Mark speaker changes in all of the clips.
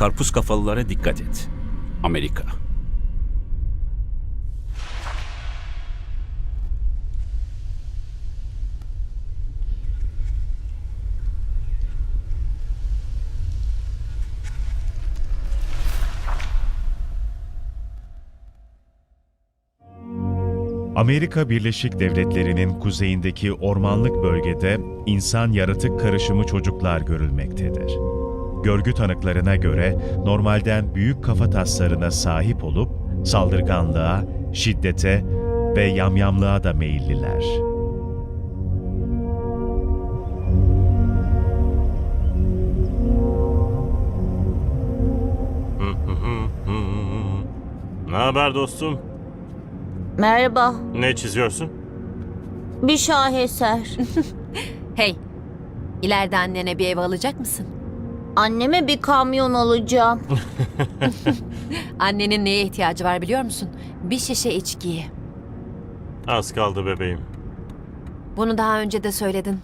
Speaker 1: karpuz kafalılara dikkat et. Amerika.
Speaker 2: Amerika Birleşik Devletleri'nin kuzeyindeki ormanlık bölgede insan yaratık karışımı çocuklar görülmektedir. Görgü tanıklarına göre normalden büyük kafataslarına sahip olup saldırganlığa, şiddete ve yamyamlığa da meyilliler.
Speaker 3: Ne haber dostum?
Speaker 4: Merhaba.
Speaker 3: Ne çiziyorsun?
Speaker 4: Bir şaheser.
Speaker 5: Hey, ileride annene bir ev alacak mısın?
Speaker 4: Anneme bir kamyon alacağım.
Speaker 5: Annenin neye ihtiyacı var biliyor musun? Bir şişe içkiye.
Speaker 3: Az kaldı bebeğim.
Speaker 5: Bunu daha önce de söyledin.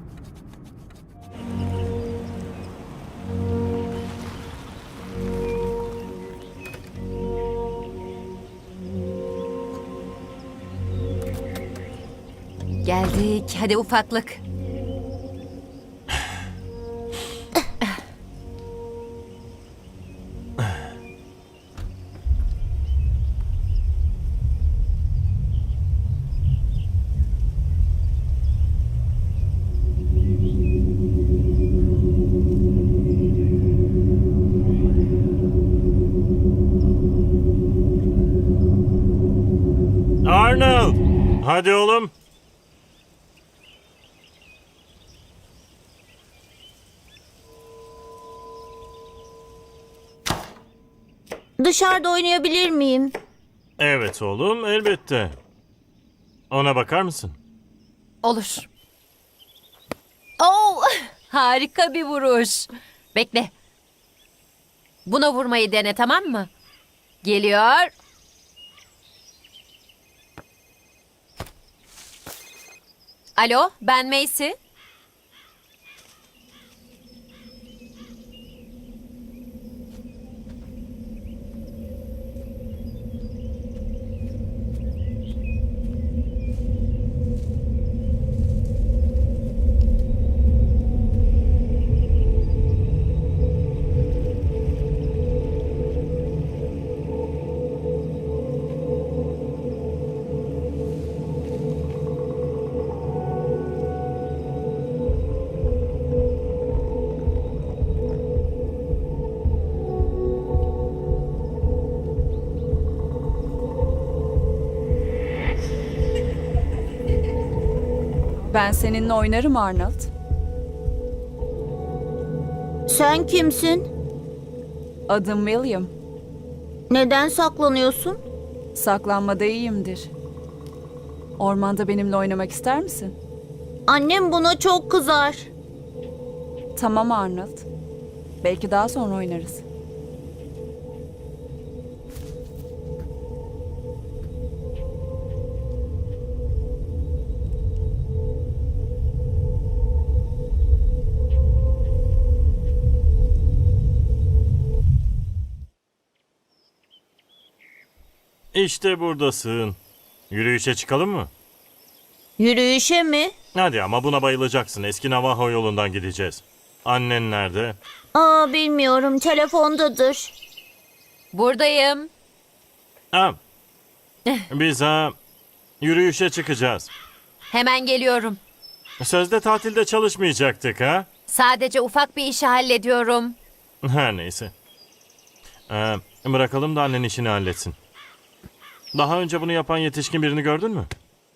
Speaker 5: Geldik. Hadi ufaklık.
Speaker 3: Arnold! Hadi oğlum.
Speaker 4: Dışarıda oynayabilir miyim?
Speaker 3: Evet oğlum, elbette. Ona bakar mısın?
Speaker 5: Olur. Oo, harika bir vuruş. Bekle. Buna vurmayı dene, tamam mı? Geliyor. Alo, ben Macy.
Speaker 6: Ben seninle oynarım Arnold.
Speaker 4: Sen kimsin?
Speaker 6: Adım William.
Speaker 4: Neden saklanıyorsun?
Speaker 6: Saklanmada iyiyimdir. Ormanda benimle oynamak ister misin?
Speaker 4: Annem buna çok kızar.
Speaker 6: Tamam Arnold. Belki daha sonra oynarız.
Speaker 3: İşte buradasın. Yürüyüşe çıkalım mı?
Speaker 4: Yürüyüşe mi?
Speaker 3: Hadi ama buna bayılacaksın. Eski Navajo yolundan gideceğiz. Annen nerede?
Speaker 4: Bilmiyorum. Telefondadır.
Speaker 5: Buradayım.
Speaker 3: Ha. Biz yürüyüşe çıkacağız.
Speaker 5: Hemen geliyorum.
Speaker 3: Sözde tatilde çalışmayacaktık ha?
Speaker 5: Sadece ufak bir işi hallediyorum.
Speaker 3: Her neyse. Bırakalım da annen işini halletsin. Daha önce bunu yapan yetişkin birini gördün mü?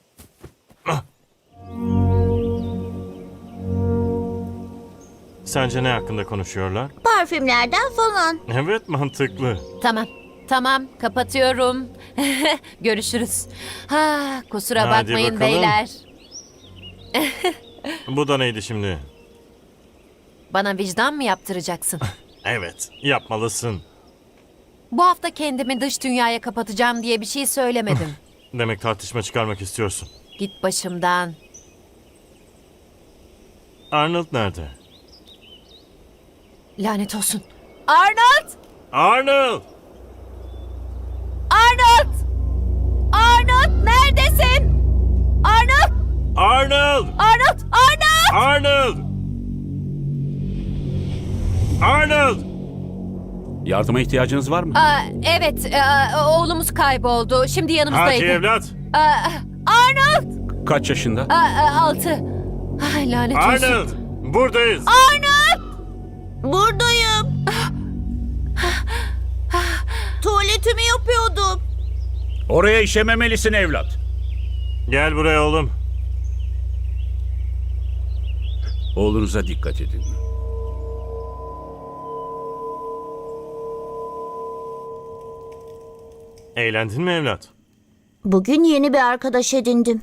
Speaker 3: Sence ne hakkında konuşuyorlar?
Speaker 4: Parfümlerden falan.
Speaker 3: Evet, mantıklı.
Speaker 5: Tamam. Tamam, kapatıyorum. Görüşürüz. Ha, kusura
Speaker 3: Hadi
Speaker 5: bakmayın
Speaker 3: bakalım.
Speaker 5: beyler.
Speaker 3: Bu da neydi şimdi?
Speaker 5: Bana vicdan mı yaptıracaksın?
Speaker 3: Evet, yapmalısın.
Speaker 5: Bu hafta kendimi dış dünyaya kapatacağım diye bir şey söylemedim.
Speaker 3: Demek tartışma çıkarmak istiyorsun.
Speaker 5: Git başımdan.
Speaker 3: Arnold nerede?
Speaker 5: Lanet olsun. Arnold!
Speaker 3: Arnold!
Speaker 5: Arnold! Arnold neredesin? Arnold!
Speaker 3: Arnold!
Speaker 5: Arnold! Arnold!
Speaker 3: Arnold! Arnold!
Speaker 1: Yardıma ihtiyacınız var mı?
Speaker 5: Evet, oğlumuz kayboldu. Şimdi
Speaker 3: Hadi
Speaker 5: yanımızdaydı.
Speaker 3: evlat.
Speaker 5: Arnold!
Speaker 1: Kaç yaşında?
Speaker 5: 6. Ay, lanet olsun.
Speaker 3: Arnold! Buradayız.
Speaker 4: Buradayım. Tuvaletimi yapıyordum.
Speaker 7: Oraya işememelisin evlat.
Speaker 3: Gel buraya oğlum.
Speaker 1: Oğlunuza dikkat edin.
Speaker 3: Eğlendin mi evlat?
Speaker 4: Bugün yeni bir arkadaş edindim.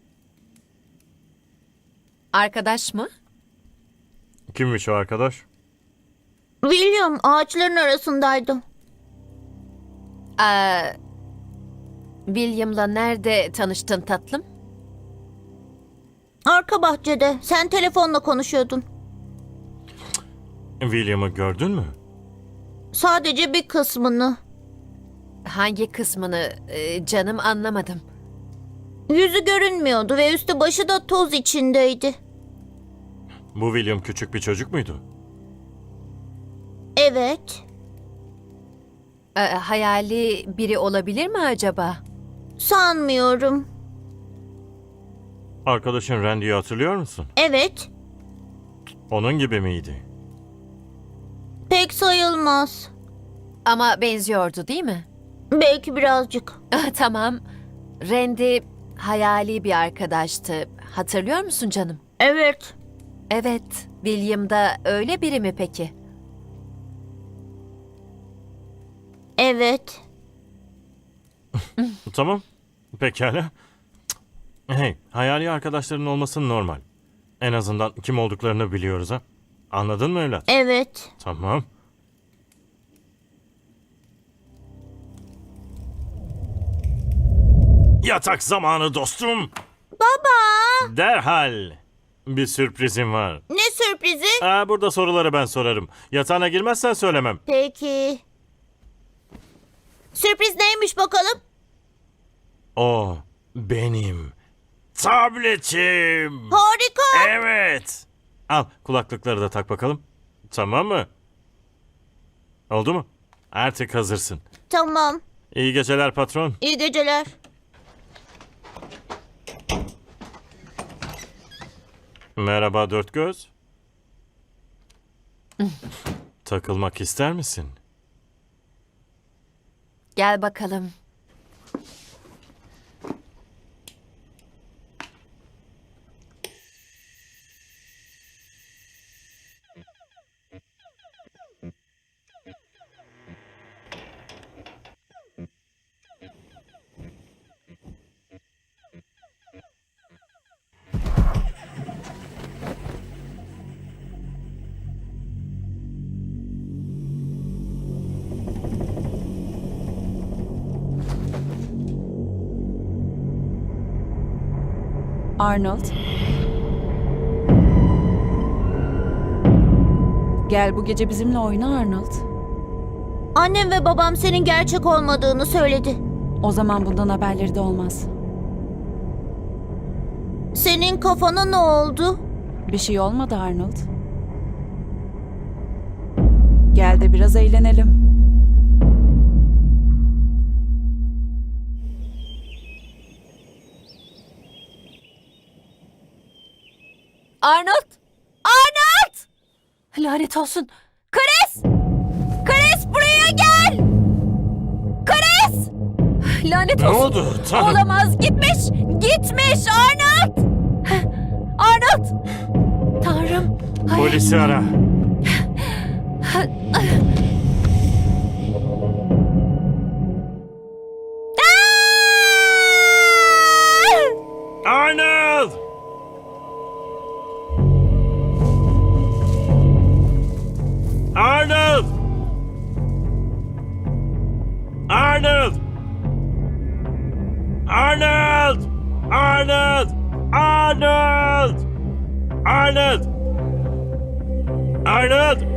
Speaker 5: Arkadaş mı?
Speaker 3: Kimmiş o arkadaş?
Speaker 4: William ağaçların arasındaydı.
Speaker 5: William'la nerede tanıştın tatlım?
Speaker 4: Arka bahçede. Sen telefonla konuşuyordun.
Speaker 3: William'ı gördün mü?
Speaker 4: Sadece bir kısmını.
Speaker 5: Hangi kısmını canım anlamadım.
Speaker 4: Yüzü görünmüyordu ve üstü başı da toz içindeydi.
Speaker 3: Bu William küçük bir çocuk muydu?
Speaker 4: Evet.
Speaker 5: Hayali biri olabilir mi acaba?
Speaker 4: Sanmıyorum.
Speaker 3: Arkadaşın Randy'yi hatırlıyor musun?
Speaker 4: Evet.
Speaker 3: Onun gibi miydi?
Speaker 4: Pek sayılmaz.
Speaker 5: Ama benziyordu değil mi?
Speaker 4: Belki birazcık.
Speaker 5: Tamam. Randy hayali bir arkadaştı. Hatırlıyor musun canım?
Speaker 4: Evet.
Speaker 5: Evet. William da öyle biri mi peki?
Speaker 4: Evet.
Speaker 3: Tamam. Pekala. Hey, hayali arkadaşların olması normal. En azından kim olduklarını biliyoruz ha. Anladın mı evlat?
Speaker 4: Evet.
Speaker 3: Tamam. Yatak zamanı dostum.
Speaker 4: Baba.
Speaker 3: Derhal. Bir sürprizim var.
Speaker 4: Ne sürprizi?
Speaker 3: Burada soruları ben sorarım. Yatağına girmezsen söylemem.
Speaker 4: Peki. Sürpriz neymiş bakalım?
Speaker 3: O benim tabletim.
Speaker 4: Harika.
Speaker 3: Evet. Al kulaklıkları da tak bakalım. Tamam mı? Oldu mu? Artık hazırsın.
Speaker 4: Tamam.
Speaker 3: İyi geceler patron.
Speaker 4: İyi geceler.
Speaker 3: Merhaba dört göz. Takılmak ister misin?
Speaker 5: Gel bakalım.
Speaker 6: Arnold. Gel bu gece bizimle oyna Arnold.
Speaker 4: Annem ve babam senin gerçek olmadığını söyledi.
Speaker 6: O zaman bundan haberleri de olmaz.
Speaker 4: Senin kafana ne oldu?
Speaker 6: Bir şey olmadı Arnold. Gel de biraz eğlenelim.
Speaker 5: Arnold! Arnold! Lanet olsun. Chris! Chris buraya gel! Chris! Lanet
Speaker 3: Ne
Speaker 5: olsun.
Speaker 3: oldu? Tanrım.
Speaker 5: Olamaz. Gitmiş. Gitmiş Arnold! Arnold! Tanrım. Hayır.
Speaker 3: Polisi ara. Arnold! Arnold! Arnold! Arnold! Arnold! Arnold! Arnold! Arnold!